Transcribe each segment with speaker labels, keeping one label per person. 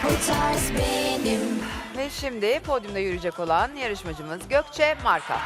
Speaker 1: O tarz benim.
Speaker 2: Ve şimdi podyumda yürüyecek olan yarışmacımız Gökçe Marka.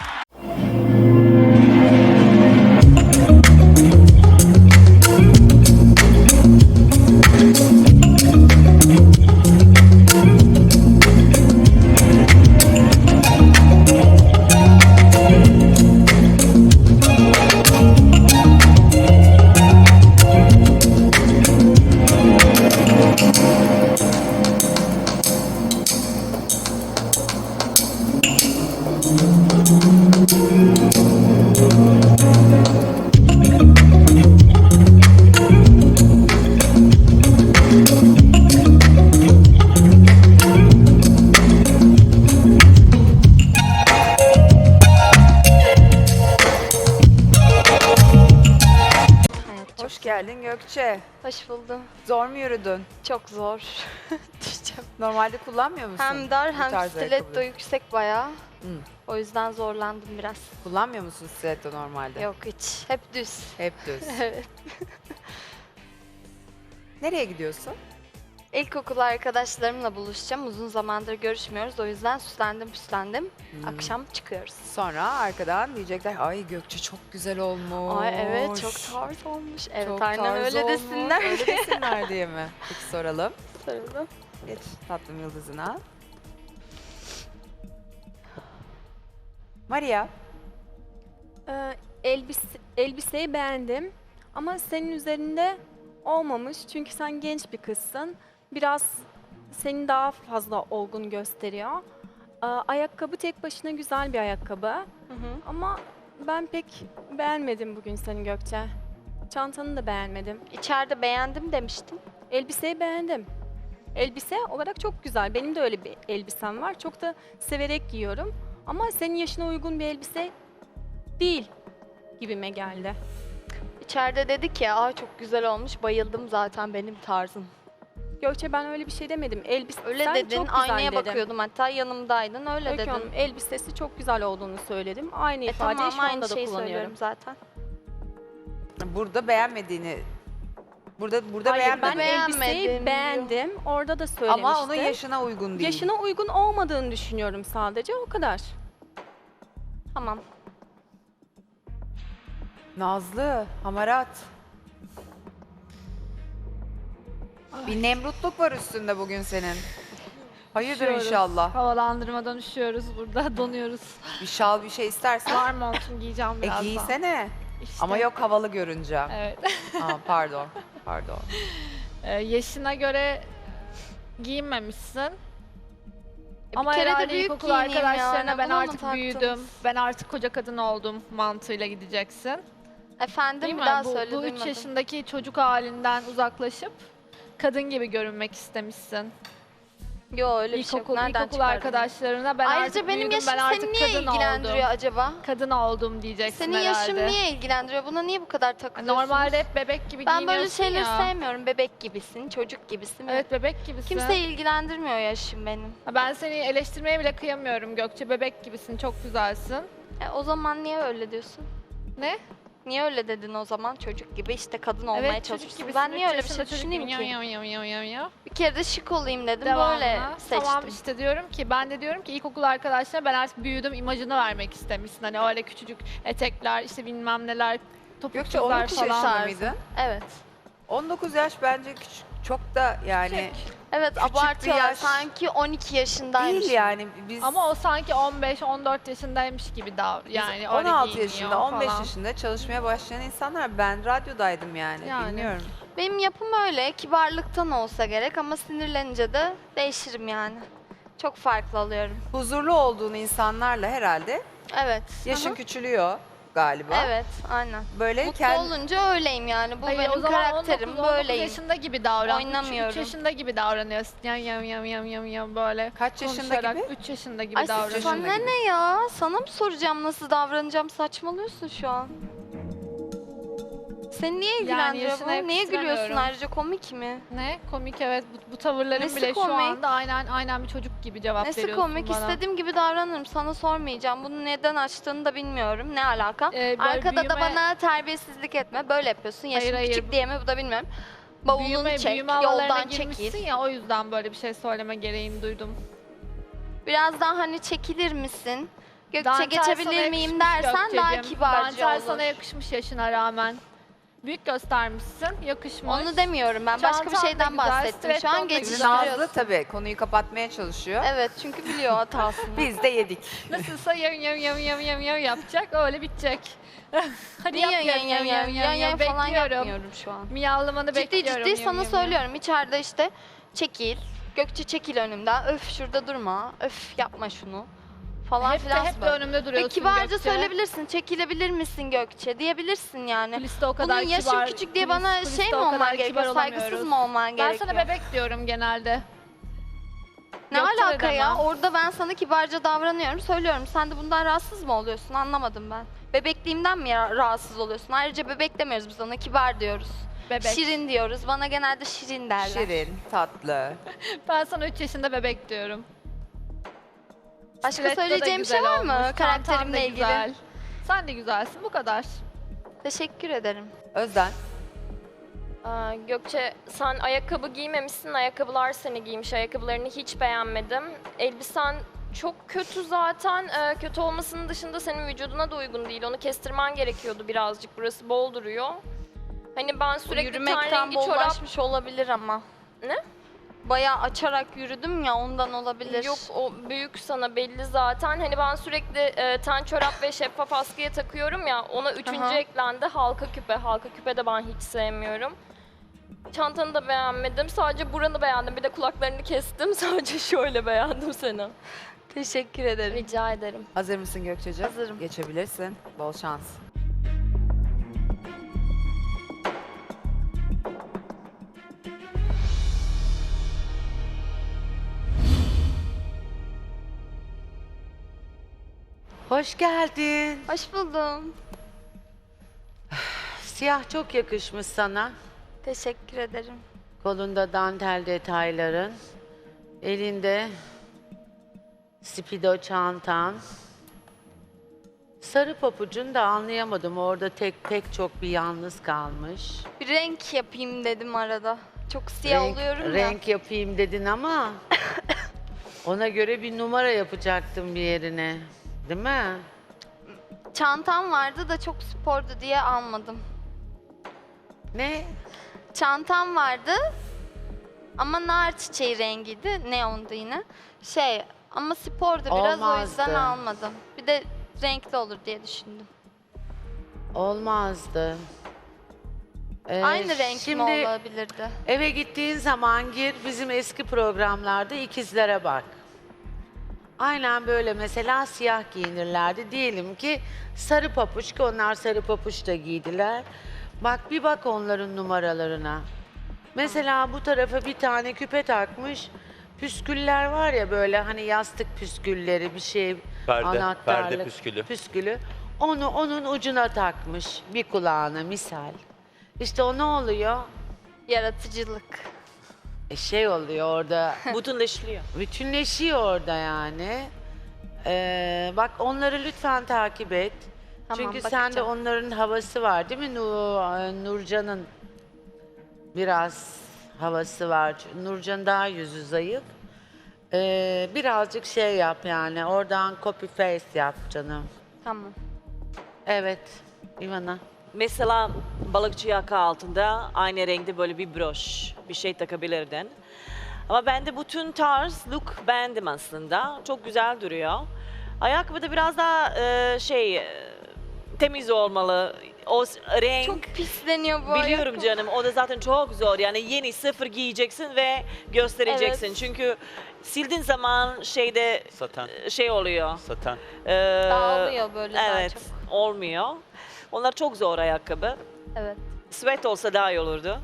Speaker 2: Hoş geldin Gökçe.
Speaker 3: Hoş buldum.
Speaker 2: Zor mu yürüdün?
Speaker 3: Çok zor. Düşeceğim.
Speaker 2: Normalde kullanmıyor musun?
Speaker 3: Hem dar
Speaker 2: bu
Speaker 3: hem
Speaker 2: tarz
Speaker 3: stiletto
Speaker 2: ayakkabıyı?
Speaker 3: yüksek bayağı.
Speaker 2: Hı.
Speaker 3: O yüzden zorlandım biraz.
Speaker 2: Kullanmıyor musun stiletto normalde?
Speaker 3: Yok hiç. Hep düz.
Speaker 2: Hep düz.
Speaker 3: Evet.
Speaker 2: Nereye gidiyorsun?
Speaker 3: İlkokul arkadaşlarımla buluşacağım. Uzun zamandır görüşmüyoruz. O yüzden süslendim. Akşam çıkıyoruz.
Speaker 2: Sonra arkadan diyecekler ay Gökçe çok güzel olmuş.
Speaker 3: Ay evet çok tarz olmuş. Evet
Speaker 2: Çok
Speaker 3: aynen
Speaker 2: tarz
Speaker 3: öyle
Speaker 2: olmuş.
Speaker 3: desinler.
Speaker 2: Öyle desinler diye mi? Peki soralım.
Speaker 3: Sarıldım.
Speaker 2: Geç tatlım yıldızına. Maria.
Speaker 4: Elbiseyi beğendim ama senin üzerinde olmamış çünkü sen genç bir kızsın. Biraz seni daha fazla olgun gösteriyor. Ayakkabı tek başına güzel bir ayakkabı
Speaker 3: Hı hı.
Speaker 4: ama ben pek beğenmedim bugün seni Gökçe. Çantanı da beğenmedim.
Speaker 3: İçeride beğendim demiştim.
Speaker 4: Elbiseyi beğendim. Elbise olarak çok güzel. Benim de öyle bir elbisem var. Çok da severek giyiyorum. Ama senin yaşına uygun bir elbise değil gibime geldi.
Speaker 3: İçeride dedi ki aa çok güzel olmuş. Bayıldım zaten benim tarzım.
Speaker 4: Gökçe ben öyle bir şey demedim. Elbise
Speaker 3: Öyle
Speaker 4: sen
Speaker 3: dedin.
Speaker 4: çok güzel
Speaker 3: Aynaya
Speaker 4: dedim.
Speaker 3: bakıyordum hatta yanımdaydın. Öyle
Speaker 4: Öykü
Speaker 3: dedin.
Speaker 4: Hanım, elbisesi çok güzel olduğunu söyledim. Aynı ifadeyi
Speaker 3: Tamam
Speaker 4: şu anda
Speaker 3: aynı
Speaker 4: da
Speaker 3: şeyi
Speaker 4: kullanıyorum.
Speaker 3: söylüyorum zaten.
Speaker 2: Burada beğenmediğini burada
Speaker 4: Hayır, ben
Speaker 2: beğenmedin.
Speaker 4: elbiseyi
Speaker 3: Beğenmedim
Speaker 4: beğendim. Orada da söylemiştim.
Speaker 2: Ama onun yaşına uygun değil.
Speaker 4: Yaşına uygun olmadığını düşünüyorum sadece. O kadar.
Speaker 3: Tamam.
Speaker 2: Nazlı, hamarat. Bir nemrutluk var üstünde bugün senin. Hayırdır
Speaker 5: Üşüyoruz.
Speaker 2: inşallah.
Speaker 5: Havalandırmadan üşüyoruz burada, donuyoruz.
Speaker 2: Bir şal bir şey istersen.
Speaker 5: Var montun giyeceğim birazdan.
Speaker 2: Giysene.
Speaker 5: İşte.
Speaker 2: Ama yok havalı görünce.
Speaker 5: Evet.
Speaker 2: Aa, pardon. Pardon.
Speaker 5: Yaşına göre giyinmemişsin. Ama
Speaker 3: bir kere de
Speaker 5: herhalde
Speaker 3: büyük
Speaker 5: ilkokul
Speaker 3: giyineyim
Speaker 5: arkadaşlarına
Speaker 3: yani,
Speaker 5: ben
Speaker 3: bunu mu
Speaker 5: artık büyüdüm,
Speaker 3: taktınız?
Speaker 5: ben artık koca kadın oldum mantığıyla gideceksin.
Speaker 3: Efendim
Speaker 5: Değil
Speaker 3: bir
Speaker 5: mi?
Speaker 3: daha
Speaker 5: Bu,
Speaker 3: söyle
Speaker 5: bu 3
Speaker 3: duymadım.
Speaker 5: yaşındaki çocuk halinden uzaklaşıp kadın gibi görünmek istemişsin.
Speaker 3: Yo öyle bir şey yok. Nereden
Speaker 5: İlkokul
Speaker 3: çıkardın?
Speaker 5: arkadaşlarına ben
Speaker 3: Ayrıca
Speaker 5: artık
Speaker 3: benim
Speaker 5: büyüdüm,
Speaker 3: yaşım
Speaker 5: ben artık
Speaker 3: seni niye
Speaker 5: kadın
Speaker 3: ilgilendiriyor
Speaker 5: oldum.
Speaker 3: acaba?
Speaker 5: Kadın oldum diyeceksin
Speaker 3: Senin
Speaker 5: herhalde.
Speaker 3: yaşın niye ilgilendiriyor? Buna niye bu kadar takılıyorsunuz?
Speaker 5: Normalde hep bebek gibi
Speaker 3: ben
Speaker 5: giyiniyorsun
Speaker 3: böyle şeyleri
Speaker 5: ya.
Speaker 3: sevmiyorum. Bebek gibisin, çocuk gibisin.
Speaker 5: Evet bebek gibisin.
Speaker 3: Kimseyi ilgilendirmiyor yaşım benim.
Speaker 5: Ben seni eleştirmeye bile kıyamıyorum Gökçe. Bebek gibisin, çok güzelsin.
Speaker 3: O zaman niye öyle diyorsun?
Speaker 5: Ne?
Speaker 3: Niye öyle dedin o zaman? Çocuk gibi işte kadın olmaya
Speaker 5: Evet çocuk
Speaker 3: çalışıyorsun.
Speaker 5: gibisin.
Speaker 3: Ben niye
Speaker 5: üç
Speaker 3: öyle bir şey
Speaker 5: yaşında çocuk
Speaker 3: düşüneyim
Speaker 5: gibi.
Speaker 3: ki?
Speaker 5: Yav, yav, yav, yav, yav.
Speaker 3: Bir kere de şık olayım dedim.
Speaker 5: Devamlı.
Speaker 3: Böyle seçtim.
Speaker 5: Tamam işte diyorum ki ben de diyorum ki ilkokul arkadaşlarına ben artık büyüdüm imajını vermek istemişsin. Hani öyle küçücük etekler işte bilmem neler
Speaker 2: Gökçe
Speaker 5: topuklular
Speaker 2: 19
Speaker 5: falan.
Speaker 2: yaşında mıydın?
Speaker 3: Evet.
Speaker 2: 19 yaş bence küçük. Çok da yani
Speaker 3: Evet
Speaker 2: Küçük bir
Speaker 3: abartıyorlar.
Speaker 2: yaş.
Speaker 3: Sanki 12 yaşındaymış.
Speaker 2: değil yani. Biz
Speaker 5: Ama o sanki 15-14 yaşındaymış gibi yani öyle
Speaker 2: 16
Speaker 5: giyiniyor
Speaker 2: yaşında, 15
Speaker 5: falan.
Speaker 2: yaşında çalışmaya başlayan insanlar. Ben radyodaydım yani.
Speaker 5: Yani.
Speaker 2: Bilmiyorum.
Speaker 3: Benim yapım öyle. Kibarlıktan olsa gerek ama sinirlenince de değişirim yani. Çok farklı alıyorum.
Speaker 2: Huzurlu olduğun insanlarla herhalde
Speaker 3: Evet.
Speaker 2: yaşın
Speaker 3: Aha.
Speaker 2: küçülüyor galiba.
Speaker 3: Evet, aynen.
Speaker 2: Böyle
Speaker 3: Mutlu
Speaker 2: kendi
Speaker 3: olunca öyleyim yani. Bu
Speaker 5: Hayır,
Speaker 3: benim
Speaker 5: o zaman
Speaker 3: karakterim.
Speaker 5: 19
Speaker 3: Böyleyim.
Speaker 5: yaşında gibi davran.
Speaker 3: Oynamıyorum.
Speaker 5: 3 yaşında gibi davranıyorsun. Yam böyle.
Speaker 2: Kaç yaşında gibi?
Speaker 5: 3 yaşında gibi
Speaker 3: Ay
Speaker 5: davranıyorsun.
Speaker 3: sana
Speaker 2: yaşında gibi.
Speaker 3: ne ya? Sana mı soracağım nasıl davranacağım? Saçmalıyorsun şu an. Seni niye ilgilendiriyor
Speaker 5: yaşına
Speaker 3: bu? Niye gülüyorsun
Speaker 5: yakıştıramıyorum.
Speaker 3: ayrıca? Komik mi?
Speaker 5: Ne? Komik evet. Bu tavırların
Speaker 3: Nesi
Speaker 5: bile şu
Speaker 3: komik?
Speaker 5: anda aynen bir çocuk gibi cevap
Speaker 3: Nesi
Speaker 5: veriyorsun
Speaker 3: komik?
Speaker 5: bana.
Speaker 3: İstediğim gibi davranırım. Sana sormayacağım. Bunu neden açtığını da bilmiyorum. Ne alaka?
Speaker 5: Böyle
Speaker 3: Arkada da
Speaker 5: büyüme-
Speaker 3: bana terbiyesizlik etme. Böyle yapıyorsun. Yaşım
Speaker 5: Hayır,
Speaker 3: küçük diye mi? Bu da bilmiyorum. Bavulunu çek,
Speaker 5: büyüme havalarına
Speaker 3: yoldan
Speaker 5: girmişsin
Speaker 3: çekil.
Speaker 5: ya, o yüzden böyle bir şey söyleme gereğini duydum.
Speaker 3: Biraz daha hani çekilir misin? Gökçe
Speaker 5: Dantel sana
Speaker 3: geçebilir miyim
Speaker 5: yakışmış
Speaker 3: dersen daha
Speaker 5: Gökçeciğim.
Speaker 3: kibarca
Speaker 5: Dantel
Speaker 3: olur.
Speaker 5: sana yakışmış yaşına rağmen. Büyük göstermişsin, yakışmış.
Speaker 3: Onu demiyorum ben. Başka bir
Speaker 5: Çantan da
Speaker 3: şeyden
Speaker 5: güzel,
Speaker 3: bahsettim. Şu
Speaker 5: stiletton da
Speaker 3: an
Speaker 2: Şimdi
Speaker 5: güzel.
Speaker 2: Nazlı
Speaker 3: geçiştiriyorsun.
Speaker 2: tabii konuyu kapatmaya çalışıyor.
Speaker 3: Evet çünkü biliyor hatasını.
Speaker 2: Biz de yedik.
Speaker 5: Nasılsa yam yapacak, öyle bitecek. Hadi
Speaker 3: Niye
Speaker 5: yap
Speaker 3: yan falan
Speaker 5: bekliyorum.
Speaker 3: yapmıyorum şu an.
Speaker 5: Miyavlamanı
Speaker 3: Ciddi
Speaker 5: bekliyorum.
Speaker 3: ciddi sana söylüyorum. İçeride işte çekil. Gökçe çekil önümden. Öf şurada durma. Öf yapma şunu. Falan
Speaker 5: Hep
Speaker 3: filan.
Speaker 5: de önümde
Speaker 3: Ve
Speaker 5: duruyorsun
Speaker 3: kibarca
Speaker 5: Gökçe.
Speaker 3: söyleyebilirsin. Çekilebilir misin Gökçe diyebilirsin yani.
Speaker 5: Kuliste o kadar
Speaker 3: Bunun yaşım
Speaker 5: kibar,
Speaker 3: küçük diye bana
Speaker 5: kuliste
Speaker 3: şey mi
Speaker 5: o kadar
Speaker 3: olman
Speaker 5: kibar
Speaker 3: gerekiyor? Saygısız
Speaker 5: olamıyoruz.
Speaker 3: mı olman
Speaker 5: Ben
Speaker 3: gerekiyor?
Speaker 5: sana bebek diyorum genelde.
Speaker 3: Ne
Speaker 5: Gökçe de
Speaker 3: alaka ya?
Speaker 5: demem.
Speaker 3: Orada ben sana kibarca davranıyorum, söylüyorum. Sen de bundan rahatsız mı oluyorsun? Anlamadım ben. Bebekliğimden mi rahatsız oluyorsun? Ayrıca bebek demiyoruz biz ona, kibar diyoruz.
Speaker 5: Bebek.
Speaker 3: Şirin diyoruz. Bana genelde şirin derler.
Speaker 2: Şirin, tatlı.
Speaker 5: Ben sana 3 yaşında bebek diyorum.
Speaker 3: Başka
Speaker 5: Stiletto da
Speaker 3: söyleyeceğim bir şey
Speaker 5: güzel
Speaker 3: var mı
Speaker 5: olmuş, çantan da
Speaker 3: karakterimle ilgili?
Speaker 5: güzel. Sen de güzelsin, bu kadar.
Speaker 3: Teşekkür ederim.
Speaker 2: Özden.
Speaker 6: Gökçe sen ayakkabı giymemişsin, ayakkabılar seni giymiş. Ayakkabılarını hiç beğenmedim. Elbisen çok kötü zaten. Kötü olmasının dışında senin vücuduna da uygun değil. Onu kestirmen gerekiyordu birazcık. Burası bol duruyor. Hani ben
Speaker 3: Bu
Speaker 6: sürekli ten
Speaker 3: yürümekten
Speaker 6: rengi çorap...
Speaker 3: bollaşmış olabilir ama.
Speaker 6: Ne?
Speaker 3: Bayağı açarak yürüdüm ya ondan olabilir.
Speaker 6: Yok o büyük sana belli zaten. Hani ben sürekli ten çorap ve şeffaf askıya takıyorum ya. Ona üçüncü
Speaker 3: Aha.
Speaker 6: eklendi halka küpe. Halka küpe de ben hiç sevmiyorum. Çantanı da beğenmedim. Sadece buranı beğendim. Bir de kulaklarını kestim. Sadece şöyle beğendim seni.
Speaker 3: Teşekkür ederim.
Speaker 6: Rica ederim.
Speaker 2: Hazır mısın Gökçeciğim?
Speaker 3: Hazırım.
Speaker 2: Geçebilirsin. Bol şans.
Speaker 7: Hoş geldin.
Speaker 3: Hoş buldum.
Speaker 7: Siyah çok yakışmış sana.
Speaker 3: Teşekkür ederim.
Speaker 7: Kolunda dantel detayların. Elinde spido çantan. Sarı papucun da anlayamadım. Orada pek çok bir yalnız kalmış.
Speaker 3: Bir renk yapayım dedim arada. Çok siyah oluyorum ya.
Speaker 7: renk yapayım dedin ama ona göre bir numara yapacaktım bir yerine. Değil mi?
Speaker 3: Çantam vardı da çok spordu diye almadım.
Speaker 7: Ne?
Speaker 3: Çantam vardı ama nar çiçeği rengiydi. Neondu yine. Ama spordu biraz o yüzden
Speaker 7: Olmazdı.
Speaker 3: almadım. Bir de renkli olur diye düşündüm.
Speaker 7: Olmazdı.
Speaker 3: Aynı renk mi
Speaker 7: şimdi
Speaker 3: olabilirdi?
Speaker 7: eve gittiğin zaman gir bizim eski programlarda ikizlere bak. Aynen böyle mesela siyah giyinirlerdi. Diyelim ki sarı papuç ki onlar sarı papuç da giydiler. Bak bir bak onların numaralarına. Mesela bu tarafa bir tane küpe takmış. Püsküller var ya böyle hani yastık püskülleri bir şey anahtarlık.
Speaker 8: perde püskülü.
Speaker 7: Püskülü. Onu onun ucuna takmış bir kulağına misal. İşte o ne oluyor?
Speaker 3: Yaratıcılık.
Speaker 7: Şey oluyor orada.
Speaker 9: Bütünleşiyor.
Speaker 7: Bütünleşiyor orada yani. Bak onları lütfen takip et.
Speaker 3: Tamam,
Speaker 7: Çünkü sende
Speaker 3: bakacağım.
Speaker 7: onların havası var değil mi? Nurcan'ın biraz havası var. Nurcan daha yüzü zayıf. Birazcık şey yap yani. Oradan copy paste yap canım.
Speaker 3: Tamam.
Speaker 7: Evet. Ivana.
Speaker 9: Mesela balıkçı yaka altında aynı renkte böyle bir broş, bir şey takabilirdin. Ama ben de bütün tarz look beğendim aslında. Çok güzel duruyor. Ayakkabı da biraz daha temiz olmalı. O renk
Speaker 3: Çok pisleniyor bu
Speaker 9: biliyorum
Speaker 3: ayakkabı.
Speaker 9: canım. O da zaten çok zor. Yani yeni sıfır giyeceksin ve göstereceksin.
Speaker 3: Evet.
Speaker 9: Çünkü sildiğin zaman
Speaker 8: Saten.
Speaker 9: şey oluyor.
Speaker 8: Saten.
Speaker 3: Dağılıyor böyle daha
Speaker 9: Evet,
Speaker 3: çok.
Speaker 9: olmuyor. Onlar çok zor ayakkabı.
Speaker 3: Evet.
Speaker 9: Sweat olsa daha iyi olurdu.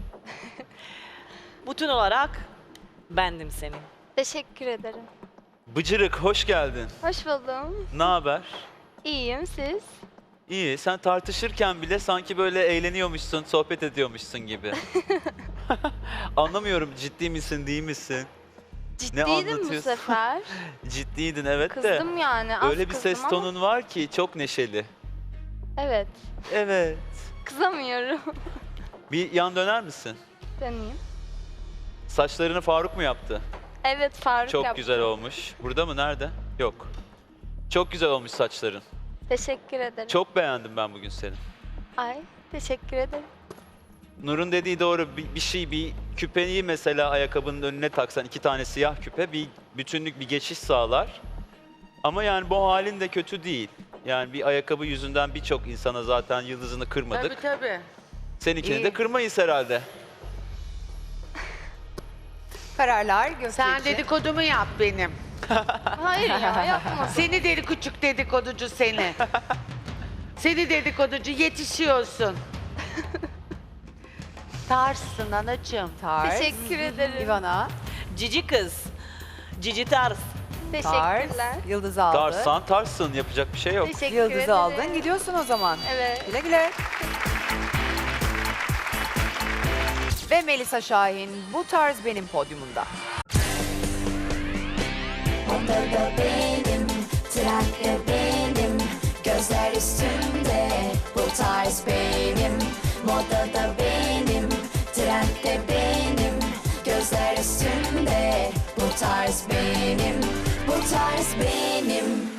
Speaker 9: Bütün olarak bendim seni.
Speaker 3: Teşekkür ederim.
Speaker 8: Bıcırık hoş geldin.
Speaker 3: Hoş buldum.
Speaker 8: Ne haber?
Speaker 3: İyiyim siz?
Speaker 8: İyi. Sen tartışırken bile sanki böyle eğleniyormuşsun, sohbet ediyormuşsun gibi. Anlamıyorum ciddi misin, değil misin?
Speaker 3: Ciddiydim bu
Speaker 8: anlatıyorsun?
Speaker 3: sefer.
Speaker 8: Ciddiydin evet de.
Speaker 3: Kızdım yani. Az
Speaker 8: Öyle bir ses
Speaker 3: kızdım ama-
Speaker 8: tonun var ki çok neşeli.
Speaker 3: Evet.
Speaker 8: Evet.
Speaker 3: Kızamıyorum.
Speaker 8: Bir yan döner misin?
Speaker 3: Deneyeyim.
Speaker 8: Saçlarını Faruk mu yaptı?
Speaker 3: Evet Faruk
Speaker 8: Çok
Speaker 3: yaptı.
Speaker 8: güzel olmuş. Burada mı? Nerede? Yok. Çok güzel olmuş saçların.
Speaker 3: Teşekkür ederim.
Speaker 8: Çok beğendim ben bugün seni.
Speaker 3: Ay teşekkür ederim.
Speaker 8: Nur'un dediği doğru. Bir küpeyi mesela ayakkabının önüne taksan, 2 tane siyah küpe bir bütünlük, bir geçiş sağlar. Ama yani bu halin de kötü değil. Yani bir ayakkabı yüzünden birçok insana zaten yıldızını kırmadık.
Speaker 7: Tabii.
Speaker 8: Seninkini
Speaker 7: İyi.
Speaker 8: de kırmayız herhalde.
Speaker 2: Kararlar Gökçe
Speaker 7: Sen
Speaker 2: için.
Speaker 7: dedikodumu yap benim.
Speaker 3: Hayır ya yapma.
Speaker 7: Seni deli küçük dedikoducu seni. Seni dedikoducu yetişiyorsun. Tarsın anacığım.
Speaker 2: Tarz.
Speaker 3: Teşekkür ederim.
Speaker 2: Ivana.
Speaker 9: Cici kız. Cici tarz.
Speaker 2: Tarz.
Speaker 3: Teşekkürler.
Speaker 2: Yıldız aldın.
Speaker 8: Tarzsan tarzsın. Yapacak bir şey yok.
Speaker 3: Teşekkür
Speaker 2: Yıldız'ı
Speaker 3: ederim.
Speaker 2: aldın. Gidiyorsun o zaman.
Speaker 3: Evet.
Speaker 2: Güle güle. Ve Melisa Şahin bu tarz benim podyumunda.
Speaker 1: Onda da benim, trendde benim, gözler üstünde, bu tarz benim. Modada benim, trendde benim, gözler üstünde, bu tarz benim, bu tarz benim.